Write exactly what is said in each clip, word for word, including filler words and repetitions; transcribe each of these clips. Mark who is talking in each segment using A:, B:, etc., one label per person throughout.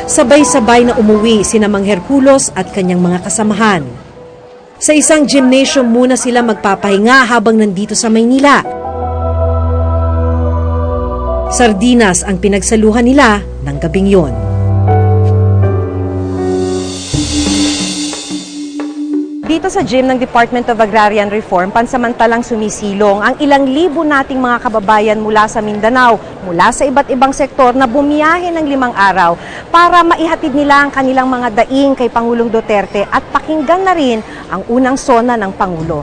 A: Sabay-sabay na umuwi sina Mang Herculos at kanyang mga kasamahan. Sa isang gymnasium muna sila magpapahinga habang nandito sa Maynila. Sardinas ang pinagsaluhan nila ng gabing yon. Dito sa gym ng Department of Agrarian Reform, pansamantalang sumisilong ang ilang libo nating mga kababayan mula sa Mindanao, mula sa iba't ibang sektor na bumiyahe ng limang araw para maihatid nila ang kanilang mga daing kay Pangulong Duterte at pakinggan na rin ang unang sona ng Pangulo.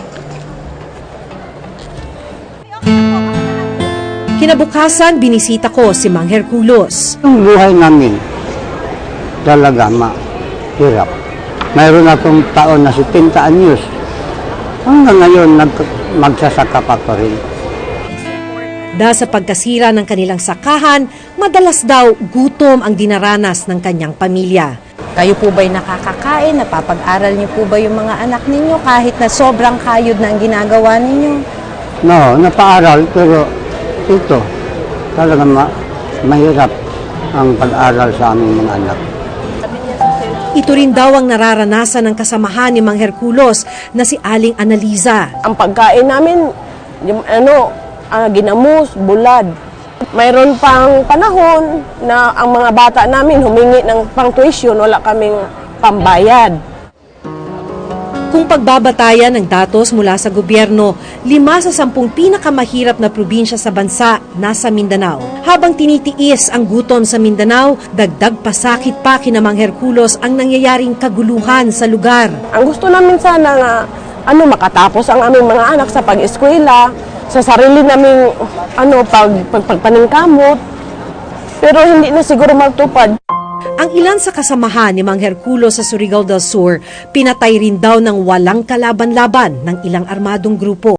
A: Kinabukasan, binisita ko si Mang Herculos.
B: Ang buhay namin talaga mahirap. Mayroon akong taon na setenta anyos. Hanggang ngayon, nag magsasaka pa ko rin.
A: Dahil sa pagkasira ng kanilang sakahan, madalas daw gutom ang dinaranas ng kanyang pamilya. Kayo po ba'y nakakakain? Napapag-aral niyo po ba yung mga anak ninyo kahit na sobrang kayod na ang ginagawa ninyo?
B: No, napaaral pero ito, talaga ma mahirap ang pag-aral sa aming mga anak.
A: Ito rin daw ang nararanasan ng kasamahan ni Mang Herculos na si Aling Analiza.
C: Ang pagkain namin, yung, ano, uh, ginamos, bulad. Mayroon pang panahon na ang mga bata namin humingi ng pang-tuition, wala kaming pambayad.
A: Kung pagbabatayan ng datos mula sa gobyerno, lima sa sampung pinakamahirap na probinsya sa bansa nasa Mindanao. Habang tinitiis ang gutom sa Mindanao, dagdag pasakit pa kina Mang Herculos ang nangyayaring kaguluhan sa lugar.
C: Ang gusto namin sana nga ano, makatapos ang aming mga anak sa pag-eskwela, sa sarili naming ano, pag, pag, pagpaningkamot, pero hindi na siguro magtupad.
A: Ang ilan sa kasamahan ni Mang Herculos sa Surigao del Sur, pinatay rin daw ng walang kalaban-laban ng ilang armadong grupo.